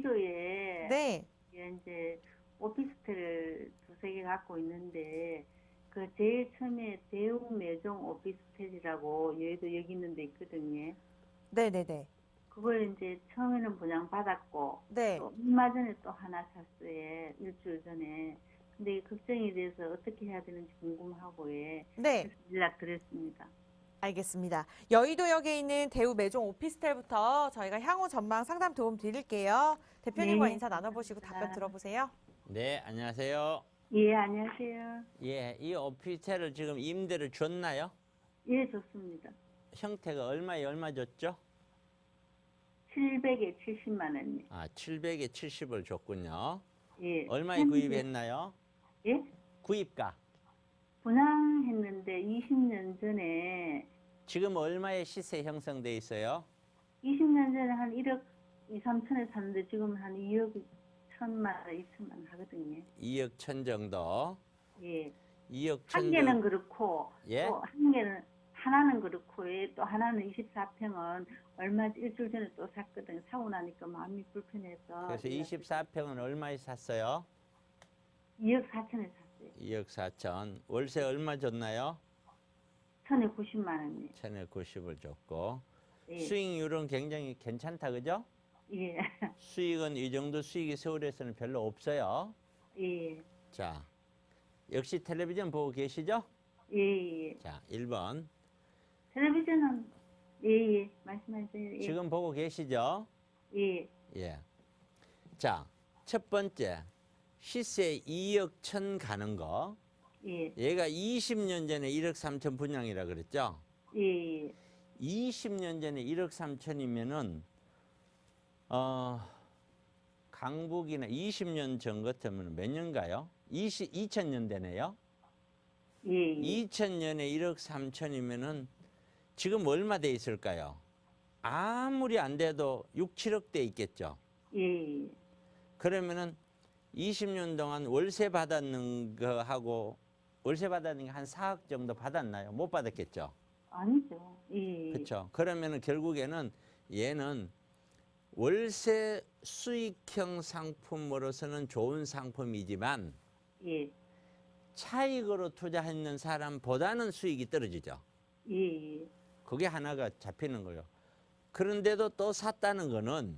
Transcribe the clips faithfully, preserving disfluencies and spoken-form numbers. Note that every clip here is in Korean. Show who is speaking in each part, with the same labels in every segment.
Speaker 1: 여의도에
Speaker 2: 네.
Speaker 1: 이제 오피스텔을 두세 개 갖고 있는데 그 제일 처음에 대우매종 오피스텔이라고 여의도 여기 있는 데 있거든요.
Speaker 2: 네네네.
Speaker 1: 그걸 이제 처음에는 분양받았고
Speaker 2: 네.
Speaker 1: 또 얼마 전에 또 하나 샀어요. 일주일 전에. 근데 걱정이 돼서 어떻게 해야 되는지 궁금하고 예.
Speaker 2: 네.
Speaker 1: 그래서 연락드렸습니다.
Speaker 2: 알겠습니다. 여의도역에 있는 대우 매종 오피스텔부터 저희가 향후 전망 상담 도움 드릴게요. 대표님과
Speaker 1: 네,
Speaker 2: 인사 나눠보시고 답변
Speaker 1: 감사합니다.
Speaker 2: 들어보세요.
Speaker 3: 네, 안녕하세요.
Speaker 1: 예, 안녕하세요.
Speaker 3: 예, 이 오피스텔을 지금 임대를 줬나요?
Speaker 1: 예, 좋습니다.
Speaker 3: 형태가 얼마에 얼마 줬죠?
Speaker 1: 칠백에 칠십만 원이요.
Speaker 3: 아, 칠백에 칠십을 줬군요.
Speaker 1: 예.
Speaker 3: 얼마에
Speaker 1: 현재-
Speaker 3: 구입했나요?
Speaker 1: 예?
Speaker 3: 구입가.
Speaker 1: 분양했는데 이십 년 전에
Speaker 3: 지금 얼마의 시세 형성돼 있어요?
Speaker 1: 이십 년 전에 한 일억 이삼천에 샀는데 지금 한 이억 천만 원, 이천만 원 하거든요.
Speaker 3: 이억 천 정도.
Speaker 1: 예.
Speaker 3: 이억
Speaker 1: 한
Speaker 3: 천
Speaker 1: 개는
Speaker 3: 정도.
Speaker 1: 그렇고
Speaker 3: 예?
Speaker 1: 또 한 개는 하나는 그렇고 예, 또 하나는 이십사 평은 얼마 일주일 전에 또 샀거든요. 사고 나니까 마음이 불편해서
Speaker 3: 그래서 이십사 평은 얼마에 샀어요?
Speaker 1: 이억 사천에 샀어요.
Speaker 3: 이억 사천. 월세 얼마 줬나요?
Speaker 1: 천구십만 원이요.
Speaker 3: 천구십을 줬고.
Speaker 1: 예.
Speaker 3: 수익률은 굉장히 괜찮다, 그죠?
Speaker 1: 예.
Speaker 3: 수익은 이 정도 수익이 서울에서는 별로 없어요.
Speaker 1: 예.
Speaker 3: 자, 역시 텔레비전 보고 계시죠?
Speaker 1: 예. 예.
Speaker 3: 자, 일 번.
Speaker 1: 텔레비전은 예예 말씀하세요. 예.
Speaker 3: 지금 보고 계시죠?
Speaker 1: 예.
Speaker 3: 예. 자, 첫 번째. 시세 이억 천 가는 거.
Speaker 1: 예.
Speaker 3: 얘가 이십 년 전에 일억 삼천 분양이라 그랬죠?
Speaker 1: 예. 예.
Speaker 3: 이십 년 전에 일억 삼천이면은 어, 강북이나 이십 년 전 같으면 몇 년가요? 이십, 이천 년대네요.
Speaker 1: 예. 예.
Speaker 3: 이천 년에 일억 삼천이면은 지금 얼마 돼 있을까요? 아무리 안 돼도 육, 칠억 돼 있겠죠.
Speaker 1: 예.
Speaker 3: 그러면은 이십 년 동안 월세 받았는 거 하고 월세 받았는 게 한 사억 정도 받았나요? 못 받았겠죠.
Speaker 1: 아니죠. 예.
Speaker 3: 그렇죠. 그러면은 결국에는 얘는 월세 수익형 상품으로서는 좋은 상품이지만
Speaker 1: 예.
Speaker 3: 차익으로 투자했는 사람보다는 수익이 떨어지죠.
Speaker 1: 예. 예.
Speaker 3: 그게 하나가 잡히는 거예요. 그런데도 또 샀다는 거는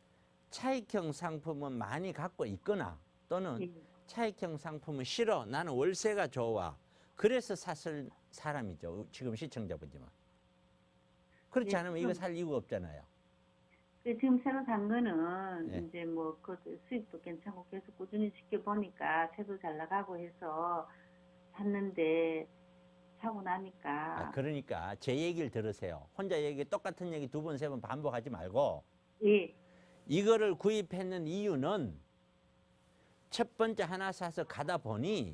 Speaker 3: 차익형 상품은 많이 갖고 있거나 또는
Speaker 1: 예.
Speaker 3: 차익형 상품은 싫어. 나는 월세가 좋아. 그래서 샀을 사람이죠. 지금 시청자분지만. 그렇지
Speaker 1: 예,
Speaker 3: 않으면 이거
Speaker 1: 그럼-
Speaker 3: 살 이유가 없잖아요.
Speaker 1: 그 지금 새로 산 거는
Speaker 3: 예.
Speaker 1: 이제 뭐 그 수익도 괜찮고 계속 꾸준히 지켜보니까 새도 잘 나가고 해서 샀는데 사고 나니까
Speaker 3: 아, 그러니까 제 얘기를 들으세요. 혼자 얘기 똑같은 얘기 두 번, 세 번 반복하지 말고
Speaker 1: 예.
Speaker 3: 이거를 구입했는 이유는 첫 번째 하나 사서 가다 보니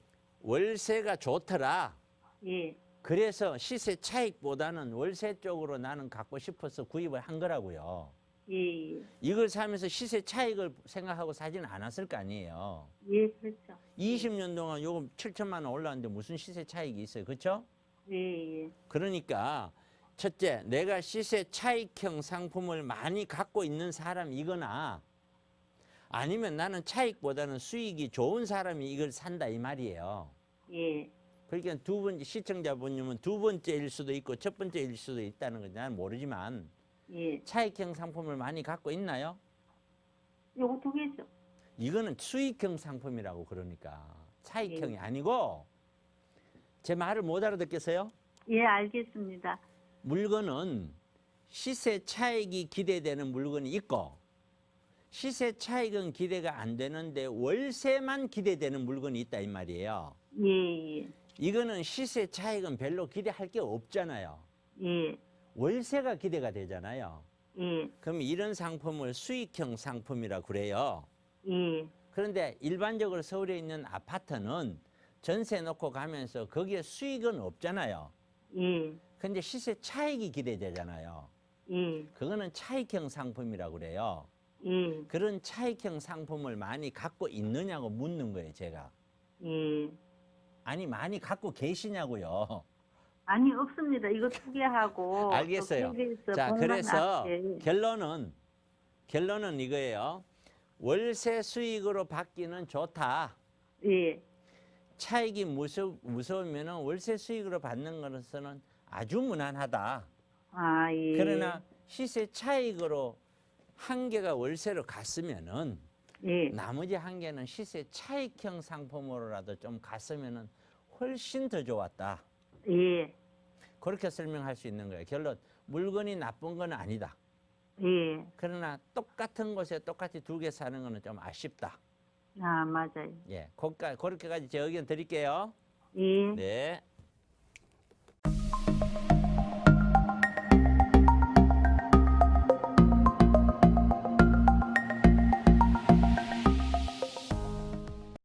Speaker 3: 월세가 좋더라.
Speaker 1: 예.
Speaker 3: 그래서 시세 차익보다는 월세 쪽으로 나는 갖고 싶어서 구입을 한 거라고요.
Speaker 1: 예.
Speaker 3: 이걸 사면서 시세 차익을 생각하고 사지는 않았을 거 아니에요.
Speaker 1: 예. 그렇죠.
Speaker 3: 이십 년 동안 요거 칠천만 원 올랐는데 무슨 시세 차익이 있어요. 그렇죠?
Speaker 1: 예. 예.
Speaker 3: 그러니까 첫째, 내가 시세 차익형 상품을 많이 갖고 있는 사람이거나 아니면 나는 차익보다는 수익이 좋은 사람이 이걸 산다 이 말이에요.
Speaker 1: 예.
Speaker 3: 그러니까 두 번째 시청자분님은 두 번째일 수도 있고 첫 번째일 수도 있다는 건 나는 모르지만
Speaker 1: 예.
Speaker 3: 차익형 상품을 많이 갖고 있나요?
Speaker 1: 요거 두 개죠.
Speaker 3: 이거는 수익형 상품이라고 그러니까 차익형이
Speaker 1: 예.
Speaker 3: 아니고 제 말을 못 알아듣겠어요?
Speaker 1: 예, 알겠습니다.
Speaker 3: 물건은 시세 차익이 기대되는 물건이 있고 시세 차익은 기대가 안 되는데 월세만 기대되는 물건이 있다 이 말이에요.
Speaker 1: 예. 예.
Speaker 3: 이거는 시세 차익은 별로 기대할 게 없잖아요.
Speaker 1: 예.
Speaker 3: 월세가 기대가 되잖아요.
Speaker 1: 예.
Speaker 3: 그럼 이런 상품을 수익형 상품이라고 그래요.
Speaker 1: 예.
Speaker 3: 그런데 일반적으로 서울에 있는 아파트는 전세 놓고 가면서 거기에 수익은 없잖아요.
Speaker 1: 예.
Speaker 3: 근데 시세 차익이 기대되잖아요.
Speaker 1: 예.
Speaker 3: 그거는 차익형 상품이라고 그래요.
Speaker 1: 예.
Speaker 3: 그런 차익형 상품을 많이 갖고 있느냐고 묻는 거예요, 제가.
Speaker 1: 예.
Speaker 3: 아니, 많이 갖고 계시냐고요.
Speaker 1: 아니, 없습니다. 이거 두 개 하고.
Speaker 3: 알겠어요.
Speaker 1: 또 케이비에스
Speaker 3: 자,
Speaker 1: 본관
Speaker 3: 그래서
Speaker 1: 앞에.
Speaker 3: 결론은, 결론은 이거예요. 월세 수익으로 받기는 좋다.
Speaker 1: 예.
Speaker 3: 차익이 무서, 무서우면 월세 수익으로 받는 것은 아주 무난하다.
Speaker 1: 아, 예.
Speaker 3: 그러나 시세 차익으로 한 개가 월세로 갔으면은
Speaker 1: 예.
Speaker 3: 나머지 한 개는 시세 차익형 상품으로라도 좀 갔으면은 훨씬 더 좋았다.
Speaker 1: 예.
Speaker 3: 그렇게 설명할 수 있는 거예요. 결론 물건이 나쁜 건 아니다.
Speaker 1: 예.
Speaker 3: 그러나 똑같은 곳에 똑같이 두 개 사는 거는 좀 아쉽다.
Speaker 1: 아, 맞아요.
Speaker 3: 예, 거기까 그렇게까지 제 의견 드릴게요.
Speaker 1: 예.
Speaker 3: 네.